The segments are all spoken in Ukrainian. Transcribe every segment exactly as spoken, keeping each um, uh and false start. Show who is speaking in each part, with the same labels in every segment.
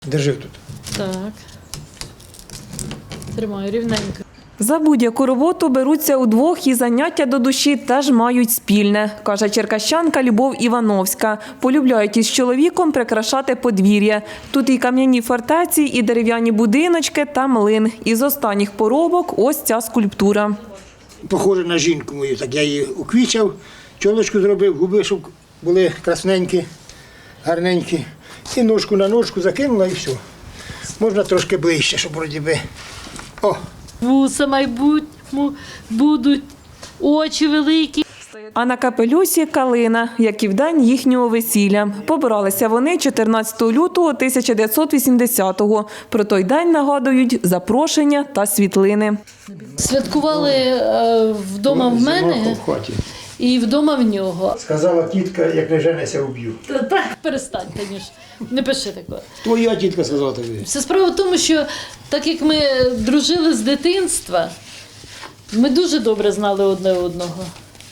Speaker 1: Держи тут.
Speaker 2: Так. Тримаю рівненько.
Speaker 3: За будь-яку роботу беруться удвох і заняття до душі теж мають спільне, каже черкащанка Любов Івановська. Полюбляють із чоловіком прикрашати подвір'я. Тут і кам'яні фортеці, і дерев'яні будиночки та млин. Із останніх поробок ось ця скульптура.
Speaker 1: Похоже на жінку мою, так я її уквічав, чолочку зробив, губи, щоб були красненькі, гарненькі. І ножку на ножку закинула і все. Можна трошки ближче, щоб вроді би. О!
Speaker 2: Вуса майбутньому будуть, очі великі.
Speaker 3: А на капелюсі калина, як і в день їхнього весілля. Побиралися вони чотирнадцятого лютого тисяча дев'ятсот вісімдесятого. Про той день нагадують запрошення та світлини.
Speaker 2: Святкували е, вдома в мене
Speaker 1: В хаті.
Speaker 2: і вдома в нього.
Speaker 1: Сказала тітка, як не женися, уб'ю.
Speaker 2: Та, та перестань, Танюш, не пиши такого.
Speaker 1: Твоя тітка сказала тобі.
Speaker 2: Вся справа в тому, що так як ми дружили з дитинства, ми дуже добре знали одне одного.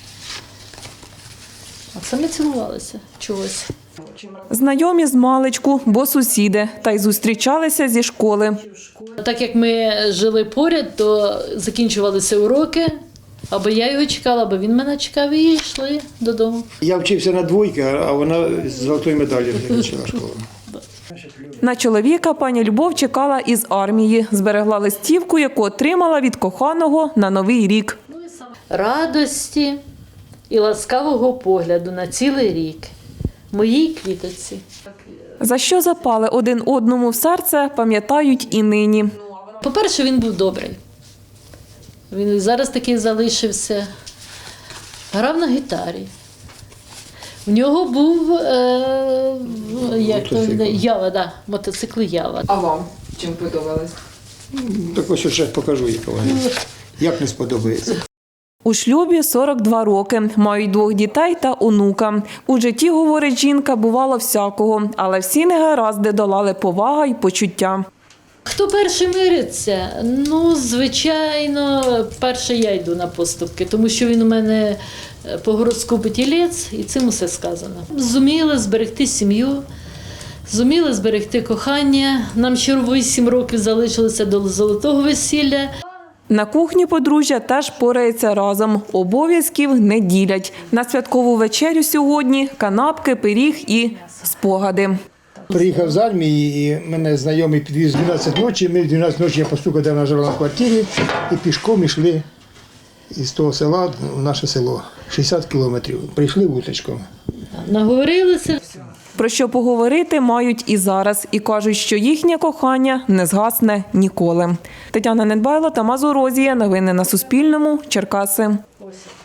Speaker 2: А це ми цілувалися чогось.
Speaker 3: Знайомі з маличку, бо сусіди, та й зустрічалися зі школи.
Speaker 2: Так як ми жили поряд, то закінчувалися уроки, або я його чекала, або він мене чекав і йшли додому.
Speaker 1: Я вчився на двойки, а вона з золотою медаллю закінчила школу.
Speaker 3: На чоловіка пані Любов чекала із армії. Зберегла листівку, яку отримала від коханого на Новий рік.
Speaker 2: Радості і ласкавого погляду на цілий рік. Моїй квіточці.
Speaker 3: За що запали один одному в серце, пам'ятають і нині.
Speaker 2: По-перше, він був добрий. Він і зараз такий залишився. Грав на гітарі. В нього був е, як то,
Speaker 1: Мотоцикл.
Speaker 2: Ява, да, мотоцикл Ява.
Speaker 4: А вам чим подобалось?
Speaker 1: Так ось ще покажу, яка вона. Як не сподобається.
Speaker 3: У шлюбі сорок два роки, мають двох дітей та онука. У житті, говорить жінка, бувало всякого, але всі негаразди долали повага й почуття.
Speaker 2: Хто перший мириться? Ну, звичайно, перше я йду на поступки, тому що він у мене по гороскопу тілець, і цим усе сказано. Зуміли зберегти сім'ю, зуміли зберегти кохання. Нам ще вісім років залишилося до золотого весілля.
Speaker 3: На кухні подружжя теж порається разом. Обов'язків не ділять. На святкову вечерю сьогодні канапки, пиріг і спогади.
Speaker 1: Приїхав з армії, і мене знайомий підвіз в дванадцять ночі. Ми в дванадцять ночі я постукав, де вона жила в квартирі, і пішком йшли із того села в наше село. шістдесят кілометрів. Прийшли вуточком.
Speaker 2: Наговорилися.
Speaker 3: Про що поговорити мають і зараз. І кажуть, що їхнє кохання не згасне ніколи. Тетяна Недбайло, Тамас Орозія. Новини на Суспільному. Черкаси.